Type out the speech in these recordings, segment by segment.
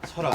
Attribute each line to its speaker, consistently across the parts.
Speaker 1: 설아.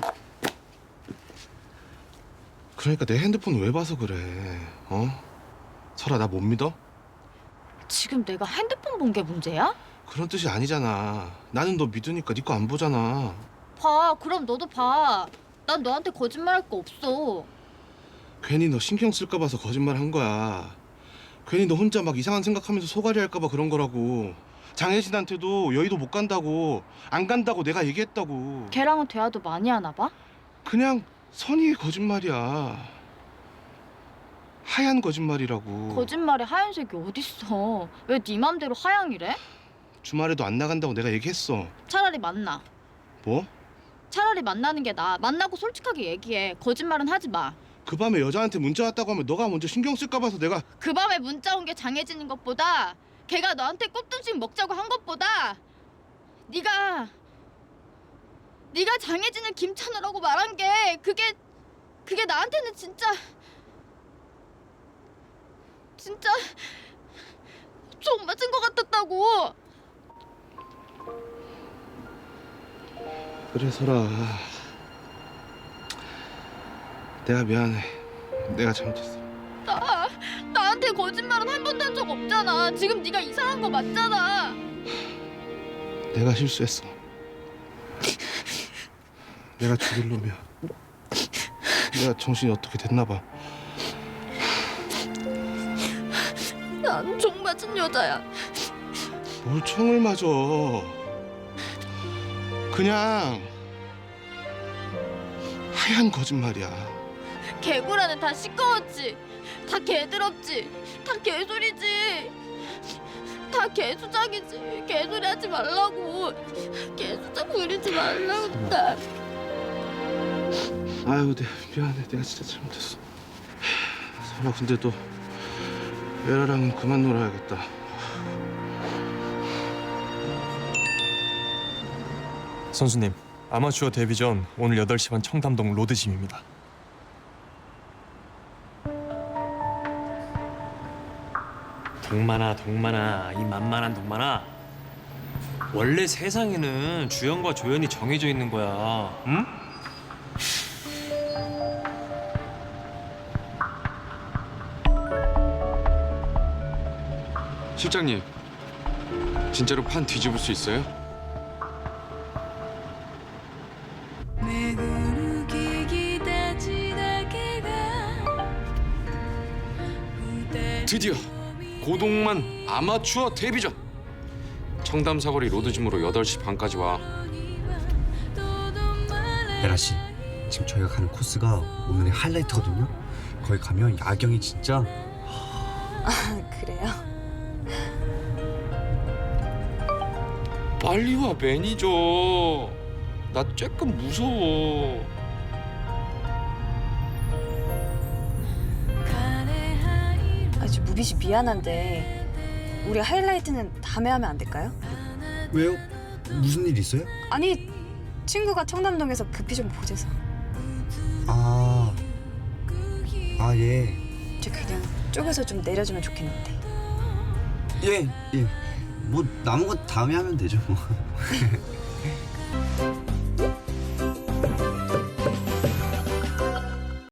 Speaker 1: 그러니까 내 핸드폰 왜 봐서 그래? 어? 설아, 나 못 믿어?
Speaker 2: 지금 내가 핸드폰 본 게 문제야?
Speaker 1: 그런 뜻이 아니잖아. 나는 너 믿으니까 네 거 안 보잖아.
Speaker 2: 봐, 그럼 너도 봐. 난 너한테 거짓말할 거 없어.
Speaker 1: 괜히 너 신경 쓸까 봐서 거짓말 한 거야. 괜히 너 혼자 막 이상한 생각하면서 소갈이 할까 봐 그런 거라고. 장혜진한테도 여의도 못 간다고, 안 간다고 내가 얘기했다고.
Speaker 2: 걔랑은 대화도 많이 하나 봐?
Speaker 1: 그냥 선의의 거짓말이야. 하얀 거짓말이라고.
Speaker 2: 거짓말에 하얀색이 어딨어. 왜 네 맘대로 하양이래?
Speaker 1: 주말에도 안 나간다고 내가 얘기했어.
Speaker 2: 차라리 만나.
Speaker 1: 뭐?
Speaker 2: 차라리 만나는 게 나아. 만나고 솔직하게 얘기해. 거짓말은 하지 마.
Speaker 1: 그 밤에 여자한테 문자 왔다고 하면 너가 먼저 신경 쓸까 봐서 내가.
Speaker 2: 그 밤에 문자 온 게 장혜진인 것보다 걔가 너한테 꽃등심 먹자고 한 것보다 네가 장혜진을 김찬우라고 말한 게 그게 나한테는 진짜 총 맞은 것 같았다고.
Speaker 1: 그래, 설아. 내가 미안해. 내가 잘못했어.
Speaker 2: 나한테 거짓말은 한 번도 한 적 없잖아. 지금 네가 이상한 거 맞잖아.
Speaker 1: 내가 실수했어. 내가 죽일 놈이야. 내가 정신이 어떻게 됐나 봐.
Speaker 2: 난 총 맞은 여자야.
Speaker 1: 뭘 총을 맞아. 그냥 하얀 거짓말이야.
Speaker 2: 개구라는 다 시꺼웠지. 다 개더럽지. 다 개소리지. 다 개수작이지. 개소리 하지 말라고. 개수작 부리지 말라고. 나.
Speaker 1: 아유, 미안해. 내가 진짜 잘못했어. 설아, 근데 또 에라랑은 그만 놀아야겠다.
Speaker 3: 선수님, 아마추어 데뷔전 오늘 8시 반 청담동 로드짐입니다.
Speaker 4: 동만아, 이 만만한 동만아. 원래 세상에는 주연과 조연이 정해져 있는 거야. 응?
Speaker 5: 실장님, 진짜로 판 뒤집을 수 있어요? 드디어 고동만 아마추어 데뷔전! 청담 사거리 로드짐으로 8시 반까지 와.
Speaker 6: 에라 씨, 지금 저희가 가는 코스가 오늘의 하이라이트거든요. 거기 가면 야경이 진짜.
Speaker 7: 그래요?
Speaker 5: 빨리 와, 매니저. 나 쬐끔 무서워.
Speaker 7: 아주 무비 씨 미안한데 우리 하이라이트는 다음에 하면 안 될까요?
Speaker 6: 왜요? 무슨 일 있어요?
Speaker 7: 아니 친구가 청담동에서 급히 좀 보재서.
Speaker 6: 아, 예.
Speaker 7: 저 그냥 쪼개서 좀 내려주면 좋겠는데.
Speaker 6: 예. 뭐 남은 거 다음에 하면 되죠 뭐.